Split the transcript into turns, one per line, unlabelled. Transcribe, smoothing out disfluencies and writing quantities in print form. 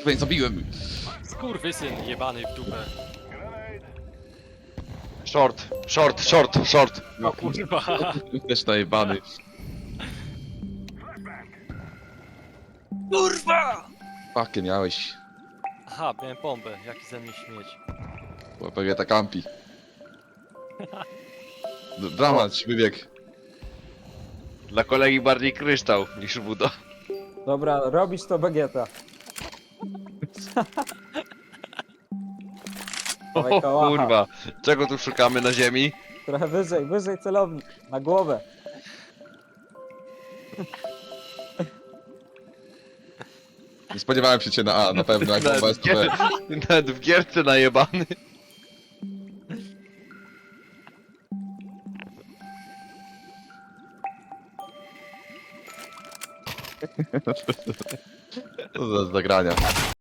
Kurwa, nie zabiłem.
Skurwysyn jebany w dupę.
Short, short, short, short.
O kurwa.
Też najebany.
Kurwa!
Fakie miałeś.
Aha, miałem bombę. Jaki ze mnie śmieć.
Pewnie ta kampi. Dramat, wybieg.
Dla kolegi bardziej kryształ niż Budo.
Dobra, robisz to Bagieta.
O
Dawaj, kałacha.
kurwa, czego tu szukamy na ziemi?
Trochę wyżej, wyżej celownik. Na głowę.
Nie spodziewałem się cię na A, na pewno, jak bomba
Nawet
jest
w,
to B.
nawet w gierce najebany.
Co za zagrania.